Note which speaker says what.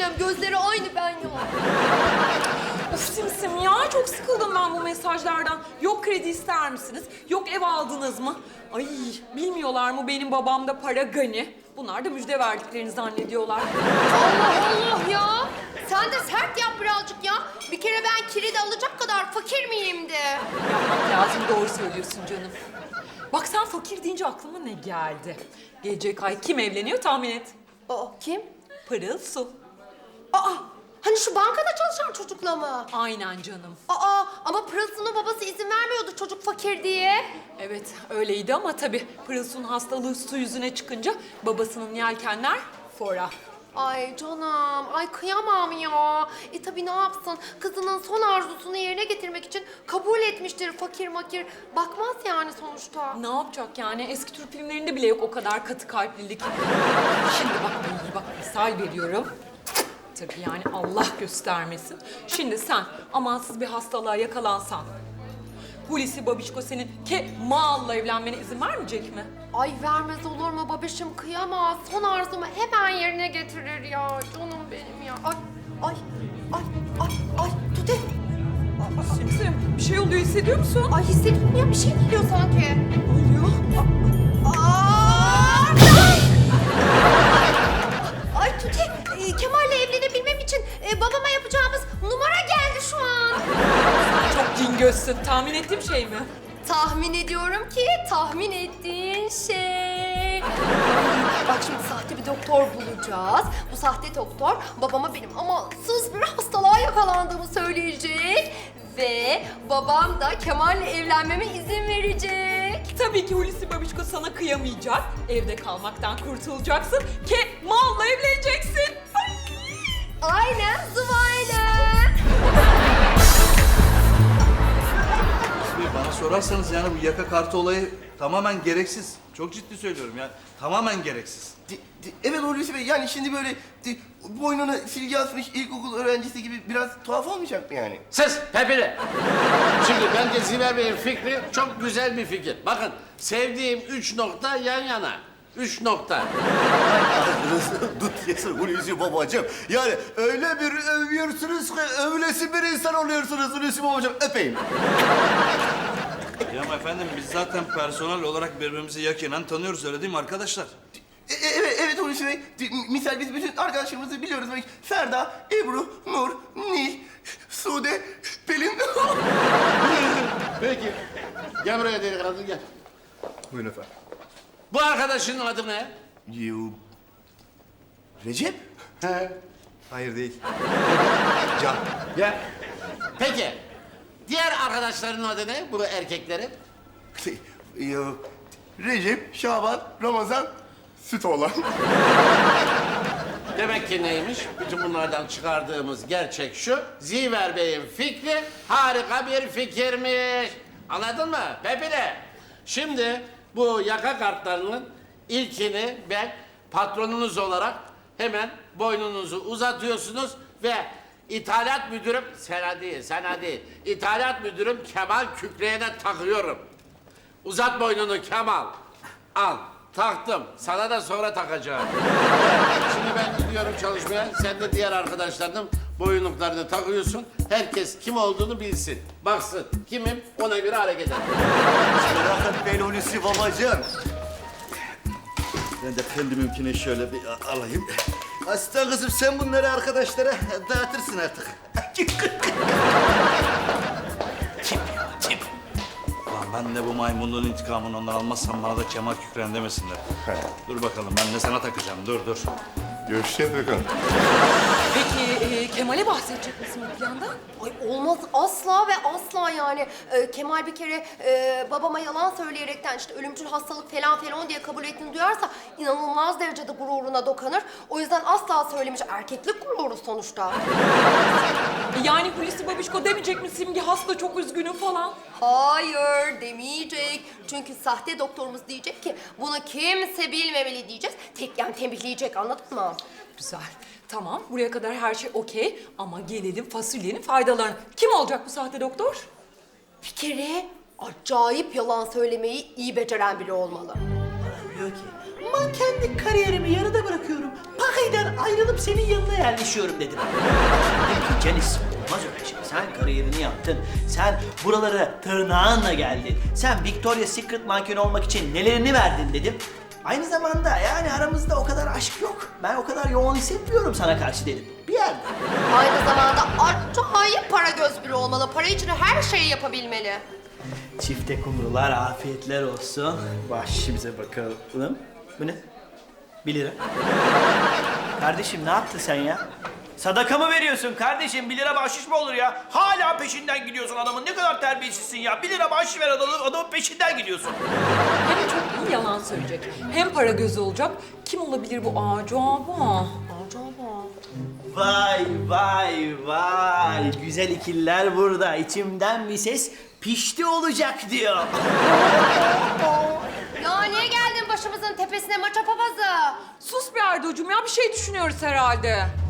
Speaker 1: söyleyeceğim. Gözleri aynı ben ya.
Speaker 2: Of Simsim ya, çok sıkıldım ben bu mesajlardan. Yok kredi ister misiniz? Yok ev aldınız mı? Ay bilmiyorlar mı benim babamda para gani? Bunlar da müjde verdiklerini zannediyorlar.
Speaker 1: Allah Allah ya. Sen de sert yap birazcık ya. Bir kere ben kredi alacak kadar fakir miyim de.
Speaker 2: Yapmak lazım, doğru söylüyorsun canım. Bak sen fakir deyince aklıma ne geldi? Gelecek ay kim evleniyor tahmin et.
Speaker 1: Aa, kim?
Speaker 2: Pırıl Su.
Speaker 1: Aa, hani şu bankada çalışan çocukla mı?
Speaker 2: Aynen canım.
Speaker 1: Aa, ama Pırıl'sının babası izin vermiyordu çocuk fakir diye.
Speaker 2: Evet öyleydi ama tabii Pırıl Su'nun hastalığı su yüzüne çıkınca babasının yelkenler fora.
Speaker 1: Ay canım, ay kıyamam ya. Tabii ne yapsın? Kızının son arzusunu yerine getirmek için kabul etmiştir fakir makir. Bakmaz yani sonuçta.
Speaker 2: Ne yapacak yani? Eski Türk filmlerinde bile yok o kadar katı kalplilik. Şimdi bak iyi bak misal veriyorum. Tabii yani Allah göstermesin. Şimdi sen amansız bir hastalığa yakalansan, Hulusi Babişko senin Kemal'la evlenmene izin vermeyecek mi?
Speaker 1: Ay vermez olur mu babişim, kıyamaz. Son arzumu hemen yerine getirir ya. Canım benim ya. Ay, ay, ay, ay, ay. Tute.
Speaker 2: Simsim bir şey oluyor hissediyor musun?
Speaker 1: Ay hissediyorum ya, bir şey geliyor sanki.
Speaker 2: Ne oluyor?
Speaker 1: Aa! Ay Tuti, Kemal'le evlenebilmem için babama yapacağımız numara geldi şu an.
Speaker 2: Çok cin gözsün. Tahmin ettiğim şey mi?
Speaker 1: Tahmin ediyorum ki tahmin ettiğin şey. Bak şimdi sahte bir doktor bulacağız. Bu sahte doktor babama benim amansız bir hastalığa yakalandığımı söyleyecek. Ve babam da Kemal'le evlenmeme izin verecek.
Speaker 2: Tabii ki Hulusi Babişko sana kıyamayacak. Evde kalmaktan kurtulacaksın. Kemal'la evleneceksin. Ay!
Speaker 1: Aynen Zıvayla.
Speaker 3: Bana sorarsanız yani bu yaka kartı olayı tamamen gereksiz. Çok ciddi söylüyorum yani. Tamamen gereksiz.
Speaker 4: Evet Hulusi Bey, yani şimdi böyle boynuna silgi asmış ilkokul öğrencisi gibi biraz tuhaf olmayacak mı yani?
Speaker 5: Ses Pepili. Şimdi bence Ziver Bey'in fikri çok güzel bir fikir. Bakın sevdiğim 3 nokta yan yana. 3 nokta.
Speaker 4: Ağzınızı dut yesin Hulusi babacığım. Yani öyle bir övüyorsunuz ki övülesi bir insan oluyorsunuz Hulusi babacığım. Öpeyim.
Speaker 3: Ya ama efendim biz zaten personel olarak birbirimizi yakinen tanıyoruz öyle değil mi arkadaşlar?
Speaker 4: Evet Hulusi Bey. Misal biz bütün arkadaşlarımızı biliyoruz. Böyle Ferda, Ebru, Nur, Nil, Sude, Pelin.
Speaker 5: Peki. Gel buraya delikanlı gel.
Speaker 4: Buyurun efendim.
Speaker 5: Bu arkadaşının adı ne?
Speaker 4: Recep?
Speaker 5: He.
Speaker 4: Hayır değil. Can.
Speaker 5: Gel. Peki. Diğer arkadaşlarının adı ne? Bu erkeklerin.
Speaker 4: Recep, Şaban, Ramazan, süt olan.
Speaker 5: Demek ki neymiş? Bütün bunlardan çıkardığımız gerçek şu. Ziver Bey'in fikri harika bir fikirmiş. Anladın mı? Pepile. Şimdi bu yaka kartlarının ilkini ben patronunuz olarak hemen boynunuzu uzatıyorsunuz ve ithalat müdürüm, sana değil. İthalat müdürüm Kemal Kükreyen'e takıyorum. Uzat boynunu Kemal. Al. Taktım. Sana da sonra takacağım. Evet, şimdi ben gidiyorum çalışmaya. Sen de diğer arkadaşlarının boyunluklarını takıyorsun. Herkes kim olduğunu bilsin. Baksın. Kimim ona göre hareket eder.
Speaker 4: Merak etmeyin Hulusi babacığım.
Speaker 3: Ben de kendiminkini şöyle bir alayım.
Speaker 4: Aslan kızım sen bunları arkadaşlara dağıtırsın artık.
Speaker 3: Lan ben de bu maymunluğun intikamını ondan almazsam bana da Kemal Kükren demesinler. Dur bakalım ben de sana takacağım dur.
Speaker 4: Görüşeceğiz bakalım.
Speaker 2: Peki Kemal'e bahsedecek misin bu plandan?
Speaker 1: Ay olmaz asla ve asla yani. Kemal bir kere babama yalan söyleyerekten işte ölümcül hastalık falan diye kabul ettiğini duyarsa inanılmaz derecede gururuna dokanır. O yüzden asla söylemiş, erkeklik gururu sonuçta.
Speaker 2: Yani Hulusi Babişko demeyecek mi Simge hasta çok üzgünüm falan?
Speaker 1: Hayır demeyecek. Çünkü sahte doktorumuz diyecek ki bunu kimse bilmemeli diyeceğiz. Tekten tembihleyecek, anladın mı?
Speaker 2: Güzel. Tamam buraya kadar her şey okey ama gelelim fasulyenin faydalarına. Kim olacak bu sahte doktor?
Speaker 1: Bir kere acayip yalan söylemeyi iyi beceren biri olmalı.
Speaker 6: diyor ki mankenlik kariyerimi yarıda bırakıyorum. Pakay'dan ayrılıp senin yanına yerleşiyorum dedim. Dedim ki Cenis olmaz öyle şey. Sen kariyerini yaptın. Sen buralara tırnağınla geldin. Sen Victoria's Secret mankeni olmak için nelerini verdin dedim. Aynı zamanda yani aramızda o kadar aşk yok. Ben o kadar yoğun hissetmiyorum sana karşı dedim. Bir yerde.
Speaker 1: Aynı zamanda acayip para göz biri olmalı. Para için her şeyi yapabilmeli.
Speaker 6: Çifte kumrular afiyetler olsun. Başımıza bakalım. Bu ne? 1 lira. Kardeşim ne yaptın sen ya? Sadaka mı veriyorsun kardeşim? 1 lira bahşiş mi olur ya? Hala peşinden gidiyorsun adamın. Ne kadar terbiyesizsin ya. 1 lira bahşiş ver adamın peşinden gidiyorsun.
Speaker 2: Hem çok iyi yalan söyleyecek, hem para gözü olacak. Kim olabilir bu acaba?
Speaker 6: Vay vay vay. Güzel ikililer burada. İçimden bir ses pişti olacak diyor.
Speaker 1: Ya niye geldin başımızın tepesine maça papazı?
Speaker 2: Sus be Erdoğucuğum ya, bir şey düşünüyoruz herhalde.